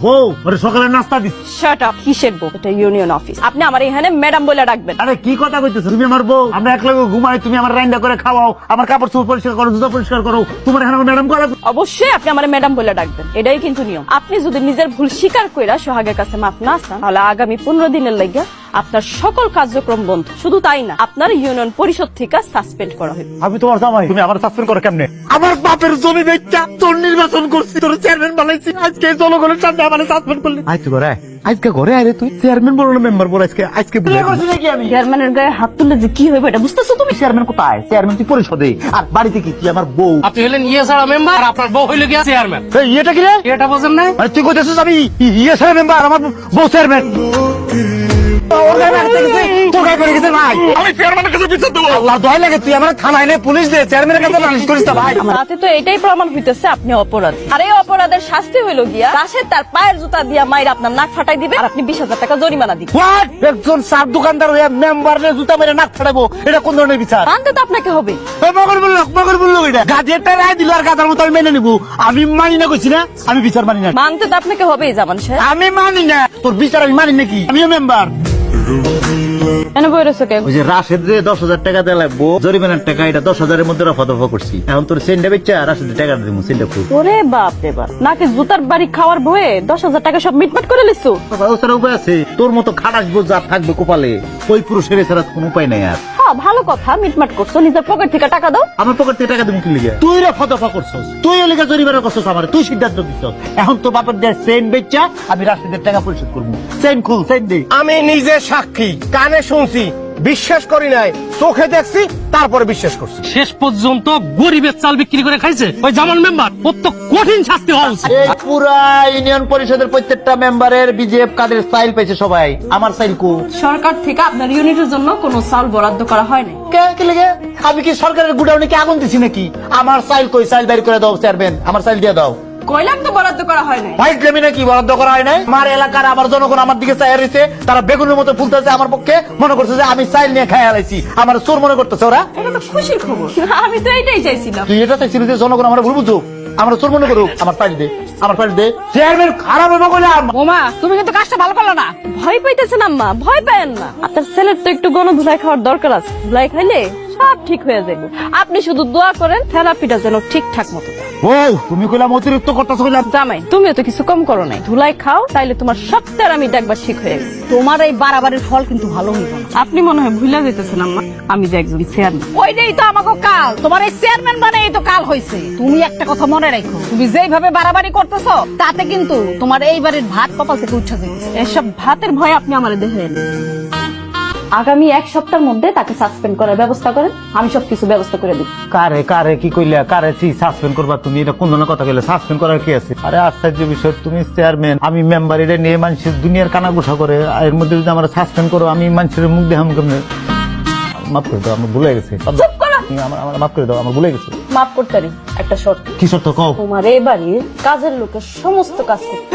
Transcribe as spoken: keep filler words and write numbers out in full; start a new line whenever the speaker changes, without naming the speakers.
বউ ওরে সকালে নাস্তা দিস।
Shut up. কিসের বউ? এটা ইউনিয়ন অফিস। আপনি আমার এখানে ম্যাডাম বলে ডাকবেন।
আরে কি কথা কইতেছ? তুমি আমার বউ, আমরা একলগে ঘুমাই, তুমি আমার রান্না করে খাওয়াও, আমার কাপড় চোপড় পরিষ্কার করো, জুতা পরিষ্কার করো, তোমার এখানে ম্যাডাম করা।
অবশ্যই আপনি আমার ম্যাডাম বলে ডাকবেন, এটাই কিন্তু নিয়ম। আপনি যদি নিজের ভুল স্বীকার কইরা সোহাগের কাছে মাফ না চান, তাহলে আগামী পনেরো দিনের লাগিয়া আপনার সকল কার্যক্রম বন্ধ। শুধু তাই না, আপনার ইউনিয়ন পরিষদ থেকে সাসপেন্ড করা হবে।
আমি তোমার জামাই, তুমি আমার সাসপেন্ড করো কেমনে? আমার বাপের জমি বেচা তোর নির্বাচন করছি, তোর চেয়ারম্যান বানাইছি, আজকে জনগণের সামনে আমার সাসপেন্ড করলি। আজকে ঘরে আজকে ঘরে আরে তুই চেয়ারম্যান বলো না মেম্বার বল? আজকে আজকে বুঝে করছি নাকি আমি?
চেয়ারম্যানের গায়ে হাত তুললে যে কি হবে এটা বুঝতেছো তুমি?
চেয়ারম্যান কোথায়? চেয়ারম্যান তুই পরিষদে, আর বাড়িতে কি তুই আমার বউ?
আপনি হলেন ইয়ে ছাড়া মেম্বার, আর আপনার বউ হইল গিয়া চেয়ারম্যান।
এই এটা কি রে?
এটা বোঝেন না?
মানে তুই কইতেছিস আমি ইয়ে সাহেব মেম্বার, আমার বউ চেয়ারম্যান? ওর গায়ে মারতে গেছে, তোর গায়ে করে গেছে ভাই। আমি চেয়ারম্যানের কাছে বিচার দেবো। আল্লাহ দয় লাগে, তুই আমার থানায় নে, পুলিশ দে, চেয়ারম্যানের কাছে নালিশ করিস না ভাই।
আমার হাতে তো এটাই প্রমাণ হইতেছে আপনি অপরাধী। আর এই অপরাধের শাস্তি হইল গিয়া রাশেদ তার পায়ের জুতা দিয়া মাইর আপনার নাক ফাটাই দিবে, আর আপনি বিশ হাজার টাকা জরিমানা দিবেন।
হোয়াট? একজন সার দোকানদার হয়ে মেম্বারে জুতা মেরে নাক ফাটাবো, এটা কোন ধরনের বিচার?
মানতে তো আপনাকে হবে।
এই মগর বলল, মগর বলল এটা গাজেটটা রায় দিল, আর গাদার মতো আমি মেনে নিব। আমি মানি না কইছি না, আমি বিচার মানি না।
মানতে তো আপনাকে হবেই জামান সাহেব।
আমি মানি না তোর বিচার, আমি মানি নাকি? আমিও মেম্বার।
কেন বইরেছো কে?
ওই যে রাশেদ রে দশ হাজার টাকা দেওয়া লাগবো, জরিমানার টাকা, এটা দশ হাজারের মধ্যে রফা দফা করছি। এখন তোর সেন্ডা বেচা রাশেদের টাকা দিব, সেন্ডা খুব।
ওরে বাপ রে বাপ, নাকি জুতার বাড়ি খাওয়ার ভয়ে দশ হাজার টাকা সব মিটমাট করে লিখছো?
ওছাড়া উপায় আছে? তোর মতো খাটাস বোঝা থাকবে কপালে, ওই পুরুষের এছাড়া কোনো উপায় নাই আর।
হ্যাঁ ভালো কথা, মিটমাট করছো, নিজের পকেট থেকে টাকা দাও।
আমার পকেট থেকে টাকা দিব কি লিগে? তুই রফা দফা করছস, তুই ওই লিগে জরিমানা করছস আমার, তুই সিদ্ধান্ত দিছস। এখন তো বাপের দেয় সেন বেচা আমি রাশেদের টাকা পরিশোধ করবো। সেন খুল, সেন দে।
আমি নিজে সাক্ষী, কানে শুনছি, বিশ্বাস করি নাই, চোখে দেখছি, তারপরে বিশ্বাস করছি।
শেষ পর্যন্ত গরিবের চাল বিক্রি করে খাইছে ওই জামান মেম্বার, ওর তো কঠিন শাস্তি হওয়া উচিত।
এই পুরা ইউনিয়ন পরিষদের প্রত্যেকটা মেম্বারের বিজেএফ কাদের সাইল পেয়েছে সবাই, আমার সাইল কো?
সরকার থেকে আপনার ইউনিটের জন্য কোনো চাল বরাদ্দ করা হয় না।
কে কি লাগে? আমি কি সরকারের গুডাউনে কি আগুন দিছি নাকি? আমার সাইল কই? সাইল বের করে দাও চেয়ারম্যান, আমার সাইল দিয়ে দাও।
কইলাম তো বরাদ্দ করা হয় না।
ভাই গ্রামে নাকি বরাদ্দ করা হয় নাই? আমার এলাকার আমার জনগণ আমার দিকে চাই রয়েছে, তারা বেগুনের মতো ফুলতেছে আমার পক্ষে, মনে করছে যে আমি চাইল নিয়ে খাই আলাইছি, আমার চোর মনে করতেছে ওরা।
এটা তো খুশির খবর। আমি তো এইটাই চাইছিলাম।
তুই এটা চাইছিলি যে জনগণ আমার ভুল বুঝুক, আমার চোর মনে করুক। আমার পাইল দে, আমার পাইল দে। চেয়ারম্যান খারাপ হবে বলে
ওমা, তুমি কিন্তু কাজটা ভালো করলো না। ভয় পাইতেছেন আম্মা, ভয় পায়েন না। আপনার ছেলের তো একটু গণ ধুলাই খাওয়ার দরকার আছে। ধুলাই খাইলে সব ঠিক হয়ে যাবে। আপনি শুধু দোয়া করেন থেরাপিটা যেন ঠিকঠাক মতো দেয়।
ও তুমি কইলাম অতিরিক্ত করতেছো কইলাম।
জামাই, তুমিও তো কিছু কম করো নাই। ধুলাই খাও, তাইলে তোমার সব তেরামিটা একবার ঠিক হয়ে গেছে। তোমার এই বাড়াবাড়ির ফল কিন্তু ভালো হইব না। আপনি মনে হয় ভুলে যেতেছেন আম্মা, আমি যে একজন চেয়ারম্যান।
ওইটাই তো আমাকে কাল, তোমার এই চেয়ারম্যান বানাই তো কাল হয়েছে। তুমি একটা কথা মনে রাখো, তুমি যেইভাবে বাড়াবাড়ি করতেছো তাতে কিন্তু তোমার এইবারের ভাত কপাল থেকে উঠে যাচ্ছে।
এসব ভাতের ভয়ে আপনি আমার দেখে এলেন। আগামী এক সপ্তাহের মধ্যে তাকে সাসপেন্ড করার ব্যবস্থা করেন, আমি সবকিছু ব্যবস্থা করে দিব।
কারে কারে কি কইলা? কারে সাসপেন্ড করবা তুমি? এটা কোন ধরনের কথা কইলে? সাসপেন্ড করার কি আছে? আরে আশ্চর্য বিষয়, তুমি চেয়ারম্যান, আমি মেম্বার, এটা নিয়ে মানুষের দুনিয়ার কানাঘুষা করে, এর মধ্যে যদি আমরা সাসপেন্ড করো, আমি মানুষের মুখ দেখাম কেমনে? মাফ করে দাও, আমার ভুলে গেছে।
চুপ করো।
আমার আমার মাফ করে দাও, আমার ভুলে গেছে।
মাফ করতে পারি, একটা শর্ত।
কি শর্ত কও?
তোমার এই বাড়ির কাজের লোকের সমস্ত কাজ করতে